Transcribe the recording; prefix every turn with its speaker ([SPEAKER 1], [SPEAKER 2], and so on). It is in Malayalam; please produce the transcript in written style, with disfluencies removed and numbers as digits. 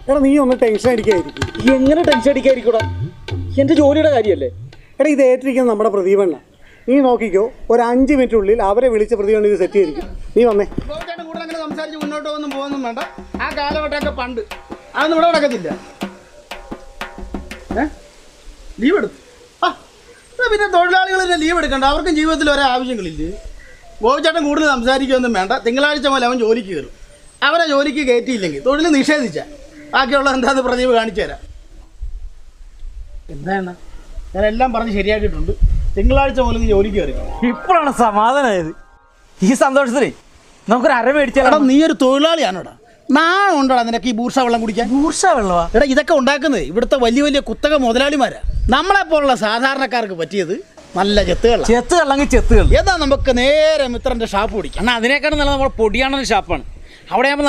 [SPEAKER 1] എടാ നീ ഒന്ന് ടെൻഷൻ അടിക്കാതിരിക്കും.
[SPEAKER 2] എങ്ങനെ ടെൻഷൻ അടിക്കാതിരിക്കൂടാ? എൻ്റെ ജോലിയുടെ കാര്യമല്ലേ.
[SPEAKER 1] എടാ ഇത് ഏറ്റിരിക്കുന്നത് നമ്മുടെ പ്രതിഭണ്ണ. നീ നോക്കിക്കോ, ഒരു 5 മിനിറ്റിനുള്ളിൽ അവരെ വിളിച്ച പ്രതിഭണ്ണ ഇത് സെറ്റ് ചെയ്തിരിക്കും. നീ വന്നേ.
[SPEAKER 3] കൂടെ അങ്ങനെ സംസാരിച്ച് മുന്നോട്ട് പോകുന്നും വേണ്ട. ആ കാലഘട്ടമൊക്കെ പണ്ട് അതൊന്നും ഇവിടെ നടക്കത്തില്ല. ലീവ് എടുത്തു. പിന്നെ തൊഴിലാളികൾ ലീവ് എടുക്കണ്ട, അവർക്കും ജീവിതത്തിൽ ഒരേ ആവശ്യങ്ങളില്ലേ. ഗോപിച്ചേട്ടൻ കൂടുതൽ സംസാരിക്കുകയൊന്നും വേണ്ട. തിങ്കളാഴ്ച മുതൽ അവൻ ജോലിക്ക് കയറും. അവരെ ജോലിക്ക് കയറ്റിയില്ലെങ്കിൽ തൊഴിൽ നിഷേധിച്ചാൽ ബാക്കിയുള്ള എന്താണെന്ന് പ്രദീപ് കാണിച്ചു തരാം. എന്താണ് ഞാനെല്ലാം പറഞ്ഞ് ശരിയാക്കിയിട്ടുണ്ട്. തിങ്കളാഴ്ച മുതൽ ജോലിക്ക് കയറി.
[SPEAKER 2] ഇപ്പോഴാണ് സമാധാനമായത്. ഈ സന്തോഷത്തിലേ നമുക്കൊരു അര മേടിച്ചാൽ.
[SPEAKER 3] നീ ഒരു തൊഴിലാളിയാണോടാ? നാണം ഉണ്ടോടാ നിനക്ക് ഈ ബൂർഷ വെള്ളം കുടിക്കാൻ?
[SPEAKER 2] ബൂർഷ വെള്ളമാ?
[SPEAKER 3] എടാ ഇതൊക്കെ ഉണ്ടാക്കുന്നത് ഇവിടുത്തെ വലിയ വലിയ കുത്തക മുതലാളിമാരാ. നമ്മളെപ്പോലുള്ള സാധാരണക്കാർക്ക് പറ്റിയത് നല്ല ചെത്തുകൾ.
[SPEAKER 2] ചെത്തുകളെങ്കിൽ ചെത്തുകൾ.
[SPEAKER 3] ഏതാ നമുക്ക് നേരെ മിത്രന്റെ ഷാപ്പ് പിടിക്കാം.
[SPEAKER 2] എന്നാൽ അതിനേക്കാളും നല്ല നമ്മുടെ പൊടിയാണെന്ന ഷാപ്പാണ്. അവിടെ